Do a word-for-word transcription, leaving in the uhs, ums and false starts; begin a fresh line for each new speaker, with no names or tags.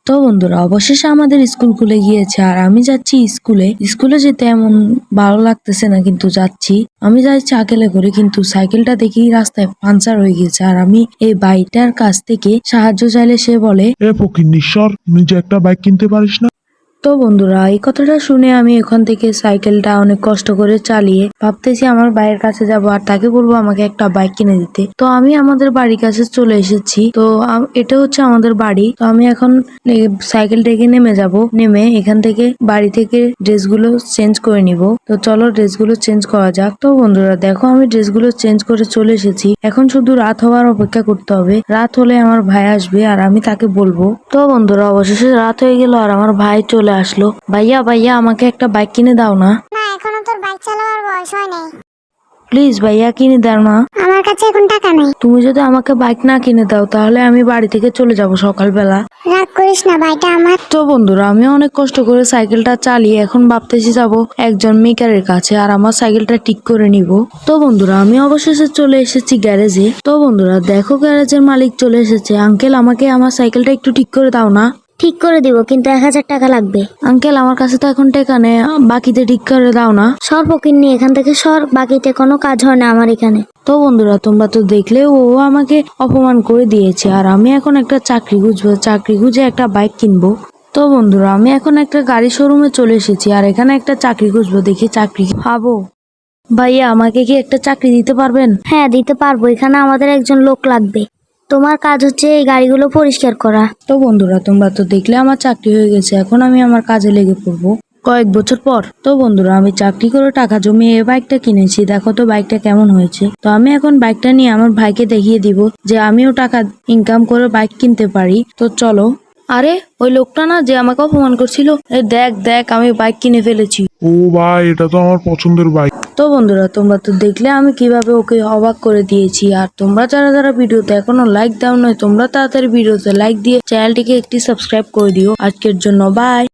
তো বন্ধুরা অবশেষে আমাদের স্কুল খুলে গিয়েছে আর আমি যাচ্ছি স্কুলে স্কুলে যেতে এমন ভালো লাগতেছে না, কিন্তু যাচ্ছি। আমি যাই সাইকেলে করে, কিন্তু সাইকেলটা দেখি রাস্তায় পাঞ্চার হয়ে গেছে আর আমি এই বাইকটার কাছ থেকে সাহায্য চাইলে সে বলে,
এ ফকিন্নিশ্বর, নিজে একটা বাইক কিনতে পারিস না?
তো বন্ধুরা এই কথাটা শুনে আমি এখান থেকে সাইকেলটা অনেক কষ্ট করে চালিয়ে ভাবতেছি আমার ভাইয়ের কাছে যাব আর তাকে বলবো আমাকে একটা বাইক কিনে দিতে। তো আমি আমাদের বাড়ির কাছে চলে এসেছি। তো আম- এটা হচ্ছে আমাদের বাড়ি। তো আমি এখন সাইকেল থেকে নেমে যাব, নেমে এখান থেকে বাড়ি থেকে ড্রেসগুলো চেঞ্জ করে নিব। তো চলো ড্রেসগুলো চেঞ্জ করা যাক। তো বন্ধুরা দেখো আমি ড্রেসগুলো চেঞ্জ করে চলে এসেছি। এখন শুধু রাত হওয়ার অপেক্ষা করতে হবে। রাত হলে আমার ভাই আসবে আর আমি তাকে বলবো। তো বন্ধুরা অবশেষে রাত হয়ে গেল আর আমার ভাই চলে আসলো। ভাইয়া ভাইয়া আমাকে একটা বাইক কিনে দাও না।
না, এখনো তোর বাইক চালানোর বয়স হয় নাই।
প্লিজ ভাইয়া কিনে দাও না।
আমার কাছে এখন টাকা নেই।
তুমি যদি আমাকে বাইক না কিনে দাও তাহলে আমি বাড়ি থেকে চলে যাব সকালবেলা।
রাগ করিস না, বাইকটা আমার।
তো বন্ধুরা আমি অনেক কষ্ট করে সাইকেলটা চালিয়ে এখন ভাবতেছি যাব একজন মেকারের কাছে আর আমার সাইকেলটা ঠিক করে নিব। তো বন্ধুরা আমি অবশেষে চলে এসেছি গ্যারেজে। তো বন্ধুরা দেখো গ্যারেজের মালিক চলে এসেছে। আঙ্কেল আমাকে আমার সাইকেলটা একটু ঠিক করে দাও না।
ঠিক করে দিব, কিন্তু এক হাজার টাকা লাগবে।
আঙ্কেল আমার কাছে তো এখন টাকা নেই, বাকিতে ঠিক করে দাও না।
সর ফকির নিয়ে এখান থেকে সর, বাকিতে কোনো কাজ হয় না আমার এখানে।
তো বন্ধুরা তোমরা তো দেখলে ও আমাকে অপমান করে দিয়েছে আর আমি এখন একটা চাকরি খুঁজবো, চাকরি খুঁজে একটা বাইক কিনবো। তো বন্ধুরা আমি এখন একটা গাড়ি শোরুমে চলে এসেছি আর এখানে একটা চাকরি খুঁজবো, দেখি চাকরি পাবো। ভাইয়া আমাকে কি একটা চাকরি দিতে পারবেন?
হ্যাঁ দিতে পারবো, এখানে আমাদের একজন লোক লাগবে। তোমার কাজ হচ্ছে এই গাড়িগুলো পরিষ্কার করা।
তো বন্ধুরা তোমরা তো দেখলে আমার চাকরি হয়ে গেছে, এখন আমি আমার কাজে লেগে পড়বো কয়েক বছর পর। তো বন্ধুরা আমি চাকরি করে টাকা জমিয়ে এই বাইকটা কিনেছি, দেখো তো বাইকটা কেমন হয়েছে। তো আমি এখন বাইকটা নিয়ে আমার ভাইকে দেখিয়ে দিব যে আমিও টাকা ইনকাম করে বাইক কিনতে পারি। তো চলো। আরে ওই লোকটা না যে আমাকে অপমান করছিল, এই দেখ দেখ আমি বাইক কিনে ফেলেছি।
ও ভাই, এটা তো আমার পছন্দের বাইক।
তো বন্ধুরা তোমরা তো দেখলে আমি কিভাবে ওকে অবাক করে দিয়েছি। আর তোমরা যারা যারা ভিডিওতে এখনো লাইক দাও নয়, তোমরা তাড়াতাড়ি ভিডিওতে লাইক দিয়ে চ্যানেলটিকে একটি সাবস্ক্রাইব করে দিও। আজকের জন্য বাই।